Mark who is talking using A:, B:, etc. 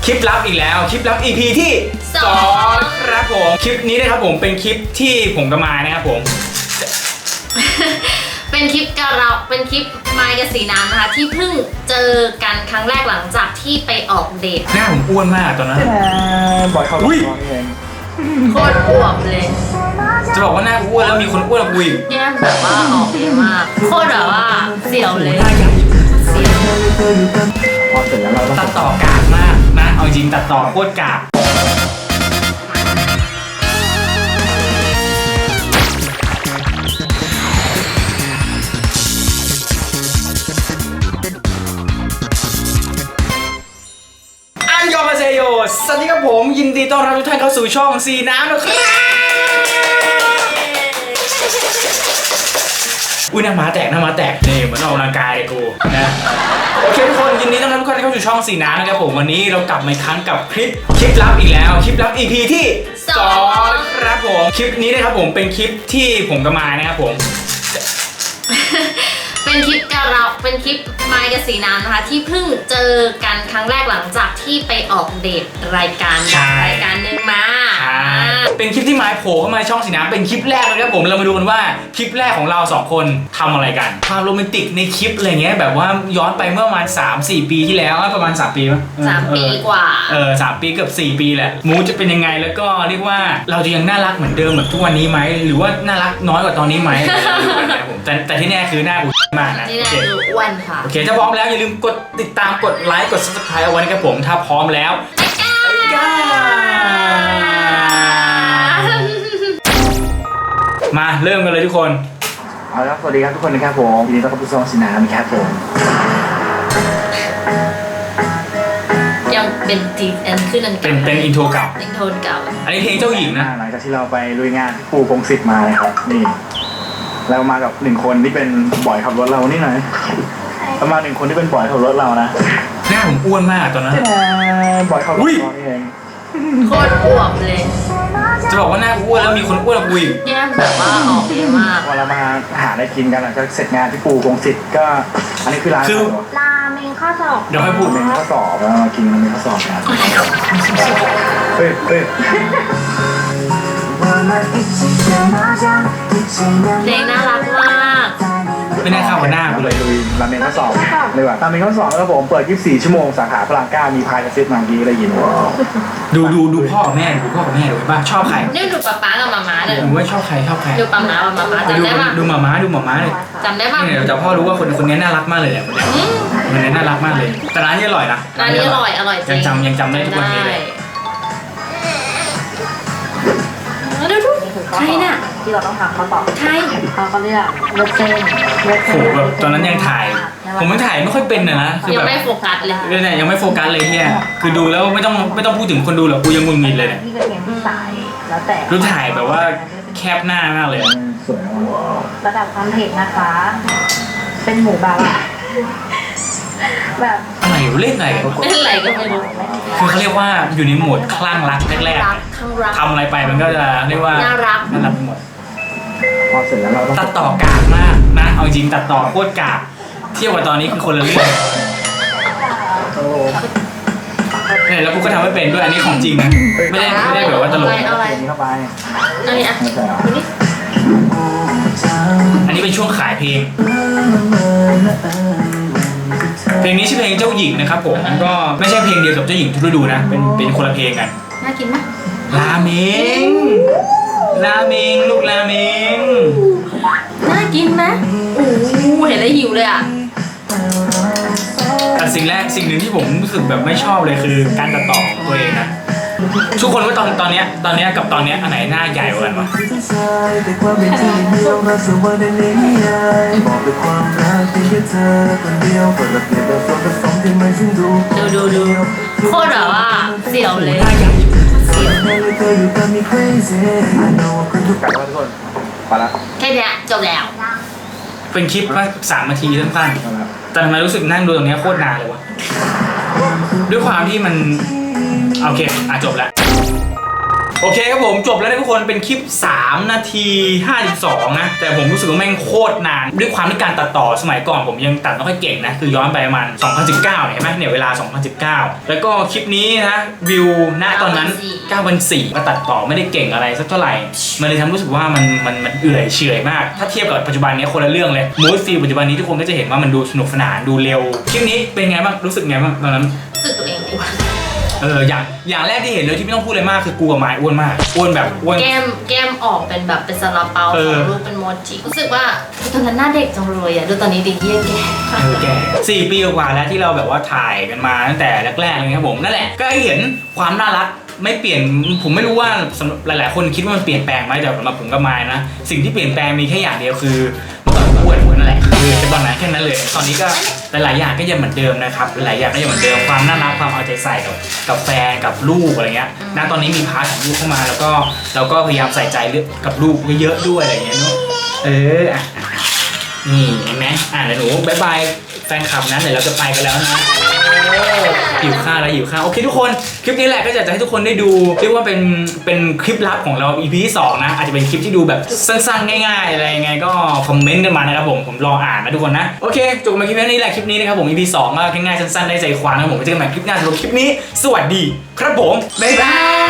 A: คลิปลับอีกแล้วคลิปลับ EP ที่2ครับผมคลิปนี้นะครับผมเป็นคลิปที่ผมกับมายนะครับผม
B: เป็นคลิปกับเราเป็นคลิปมายกับสีน้ำนะคะที่เพิ่งเจอกันครั้งแรกหลังจากที่ไปออกเดท
A: หน้าผมอ้วนมากตอนนั้น
C: บ่อยเข้าร้อนเอง
B: โคตรอวบเลย
A: จะบอกว่าหน้าอ้วนแล้วมีคนอ้วนกว่ากูอีก
B: แก้มแบบว่าออกเยอะมากโคตรแบบว่าเสียวเลย
A: หน้าใหญ่
B: เสียว
C: พอเสร็จแล้วเราต้อง
A: ตัดต่อกากมากนะเอาจริงตัดต่อโคตรกากยอมาเซโยสวัสดีครับผมยินดีต้อนรับทุกท่านเข้าสู่ช่องสีน้ำนะครับอุ้ยหน้าม้าแตกนี่เหมือนออกกำลังกายเลยกูนะโอเคทุกคนยินดีต้อนรับทุกท่านเข้าสู่ช่องสีน้ำนะครับผมวันนี้เรากลับมาอีกครั้งกับคลิปลับอีกแล้วคลิปลับ EP ที่2ครับผมคลิปนี้นะครับผมเป็นคลิปที่ผมกับมายนะครับผม
B: เป็นคลิปกับเราเป็นคลิปมายกับสีน้ำนะคะที่เพิ่งเจอกันครั้งแรกหลังจากที่ไปออกเดทรายการหนึ่งมา
A: เป็นคลิปที่มายโผล่เข้ามาในช่องสีน้ำเป็นคลิปแรกเลยครับผมเรามาดูกันว่าคลิปแรกของเรา2คนทำอะไรกันความโรแมนติกในคลิปอะไรเงี้ยแบบว่าย้อนไปเมื่อประมาณ 3-4 ปีที่แล้วประมาณ3 ปีมั้ย
B: 3 ปีกว่า
A: 3 ปีเกือบ4 ปีแหละมูจะเป็นยังไงแล้วก็เรียกว่าเราจะยังน่ารักเหมือนเดิมแบบทุกวันนี้ไหมหรือว่าน่ารักน้อยกว่าตอนนี้ไหมดูกันนะครับผมแต่ที่แน่คือหน้ากูมากนะ
B: นี่แหละดูอ้วนค่ะ
A: โอเคถ้าพร้อมแล้วอย่าลืมกดติดตามกดไลค์กด subscribe เอาไว้นะครับผมถ้าพร้อมแล้วมาเริ่มกันเลยทุกคน
C: เอาละสวัสดีครับทุกคนนะครับผมยินดีต้อนรับเข้าสู่ช่องสีน้ำครับผม
B: ยังเป็นทีอันขึ้นอัน
A: เป็นอินโทรเก่า
B: เป็นโทนเก่า
A: อันนี้เพลงเจ้าหญิงนะ
C: หลังจากที่เราไปลุยงานที่ปูพงศิษฐ์มานะครับนี่เรามากับ1คนที่เป็นบ่อยขับรถเรานี่หน่อยประมาณ1คนที่เป็นบ่อยขับรถเรานะ
A: หน้าผมอ้วนมากตอนนั้น
C: บ่อยขับรถเรานี่เอง
B: โคตรอวบเลย
A: จะบอกว่าหน้าอ้วนแล้วมีคนอ้วนกว่ากูอีก
B: แก้มแบบว่าออกเยอะมาก
C: พอเรามาหาอะไรกินกันหลังจากเสร็จงานที่ปูพงศิษฐ์ก็อันนี้คือร้าน
B: ราเมงข้าวสอบ
A: เดี๋ยวให้พูด
C: เป็นข้อสอบแล้วมากินเป็นข้อสอบกันเฮ้ย
B: เพลงน่ารักมาก
A: ไม่น่าเข้ากับหน้ากู
C: เล
A: เลย ย
C: ลุยราเมงข้อสอบเลยว่ะราเมงข้อสอบแล้วผมเปิด24 ชั่วโมงสาขาพระราม9มีพายกระซิบมาเมื่อกี้ได้ยิน
A: ดูพ่อกับแม่ดูป่ะชอบใคร
B: นี่ดูป๊าป๊ากับมาม่าเลย
A: ผมว่าชอบใคร
B: ดูป๊าป๊ากับมาม่าจำได้ปะ
A: ดูหมาม้าเลย
B: จำได้ปะ
A: เนี่ยแต่พ่อรู้ว่าคนนี้น่ารักมากเลยแหละคนนี้น่ารักมากเลยแต่ร้านนี้อร่อยนะ
B: ร้านนี้อร่อยจริง
A: ยังจำได้ทุกวันนี้เลย
B: ดูใครน่ะ
D: ที่เราต้องทำเขาต่อ
B: ใคร
D: เขาก็เรียกเลือดเส้นเลือด
A: โห
D: เส้น
A: แบบตอนนั้นยังถ่ายผมไม่ถ่ายไม่ค่อยเป็นนะคือ
B: ยั
A: แบ
B: ง
A: บ
B: ไม่โฟกัสเลย
A: เนี่ยยังไม่โฟกัสเลยเนี่ยคือดูแล้วไม่ต้องพูดถึงคนดูหรอกกูยังงุนงิดเลยเนี่ย
D: ที่กระเทียมที่สายแล้วแต่
A: ดูถ่ายแบบว่าแคบหน้ามากเลย
C: สวยมาก
D: ระดับความเผ็ดนะคะ เป็นหมูแบบอะแบบ
A: อะไรเล่นอะไรกันวะ
B: ไม่เป็นไรก็ไม่รู้
A: คือเขาเรียกว่าอยู่ในโหมดคลั่งรักแรก
B: รักข้างรัก
A: ๆทำอะไรไปมันก็จะเรียกว่า
B: น่ารัก
A: น่ารักไปหมด
C: พอเสร็จแล้วเราต้อง
A: ตัดต่อกากมากนะเอาจริงตัดต่อโคตรกากเทียบกับตอนนี้คือคนละเรื่อง
C: โอ้
A: เนี่ยแล้วกูก็ทำไม่เป็นด้วยอันนี้ของจริงนะไม่ได้แบบว่าตลก
B: เอาอะไร
C: เนี้เข้าไป
B: อันนี้อ่ะ
C: ไม่ใช่เหรอ
A: อันนี้เป็นช่วงขายเพลง เพลงนี้ชื่อเพลงเจ้าหญิงนะครับผมก็ไม่ใช่เพลงเดียวกับเจ้าหญิงทุกฤดูนะเป็นคนละเพลงกัน
B: น่ากินไหม
A: ราเมงลูกราเมง
B: น่ากินไหมโอ้โหเห็นแล้วหิวเลยอ่ะ
A: แต่สิ่งหนึ่งที่ผมรู้สึกแบบไม่ชอบเลยคือการตัดต่อของตัวเองนะทุกคนว่าตอนเนี้ยกับตอนเนี้ยอันไหนหน้าใหญ่กว่ากันวะ
B: ดูโคตรแบบว่าเสียวเลย
A: หน้าใหญ่
B: เสียว
C: กลับแล้วทุกคนไปละ
B: แค่เนี้ยจบแล้ว
A: เป็นคลิปว่า3 นาทีสั้นๆแต่ทำไมรู้สึกนั่งดูตรงเนี้ยโคตรนานเลยวะด้วยความที่มันโอเคจบแล้วโอเคครับผมจบแล้วนะทุกคนเป็นคลิป3 นาที 52นะแต่ผมรู้สึกว่าแม่งโคตรนานด้วยความที่การตัดต่อสมัยก่อนผมยังตัดไม่ค่อยเก่งนะคือย้อนไปประมาณ2019เห็นไหมเนี่ยเวลา2019แล้วก็คลิปนี้นะวิวณตอนนั้น 9,400 ก็ตัดต่อไม่ได้เก่งอะไรสักเท่าไหร่มันเลยทำรู้สึกว่ามันเอื่อยเฉอยมากถ้าเทียบกับปัจจุบันนี้คนละเรื่องเลยมูดฟีลปัจจุบันนี้ทุกคนก็จะเห็นว่ามันดูสนุกสนานดูเร็วคลิปนี้เป็นไงบ้างรู้สึกไงบ้างตอนนั้น
B: รู้สึกตัวเองอ้วน
A: อย่างแรกที่เห็นเลยที่ไม่ต้องพูดเลยมากคือกูกับไม้อ้วนมากอ้วนแบบอ้วน
B: แก้มออกเป็นแบบเป็นซาลาเปาของรูปเป็นโมจิรู้สึกว่าตอนนั้นหน้าเด็กจังเลยอ่ะดูตอนนี้ดีเยี่ยแก่
A: แก่4 ปีกว่าแล้วที่เราแบบว่าถ่ายกันมาตั้งแต่แรกๆเลยครับผมนั่นแหละก็ให้เห็นความน่ารักไม่เปลี่ยนผมไม่รู้ว่าสำหรับหลายๆคนคิดว่ามันเปลี่ยนแปลงไหมแต่สำหรับผมกับไม้นะสิ่งที่เปลี่ยนแปลงมีแค่อย่างเดียวคือเมื่อก่อนอ้วนนั่นแหละคือจะตอนนั้นแค่นั้นเลยตอนนี้ก็หลายๆอย่างก็ยังเหมือนเดิมนะครับหลายๆอย่างก็ยังเหมือนเดิมความน่ารักความเอาใจใส่กับแฟนกับลูกอะไรเงี้ยณตอนนี้มีพาร์ทของลูกเข้ามาแล้วก็เราก็พยายามใส่ใจเรื่องกับลูกเยอะๆด้วยอะไรเงี้ยเนาะนี่เห็นไหมเดี๋ยวหนูบายบายแฟนคลับนะเดี๋ยวเราจะไปกันแล้วนะหิวข้าวแล้วหิวข้าวโอเคทุกคนคลิปนี้แหละก็อยากจะให้ทุกคนได้ดูเรียกว่าเป็นคลิปลับของเรา EP ที่ 2นะอาจจะเป็นคลิปที่ดูแบบสั้นๆง่ายๆอะไรยังไงก็คอมเมนต์กันมานะครับผมรออ่านนะทุกคนนะโอเคจบมาคลิปนี้แหละคลิปนี้นะครับผม EP 2ก็ง่ายๆสั้นๆได้ใจความนะครับผมไว้เจอกันใหม่คลิปหน้าสำหรับคลิปนี้สวัสดีครับผมบ๊ายบาย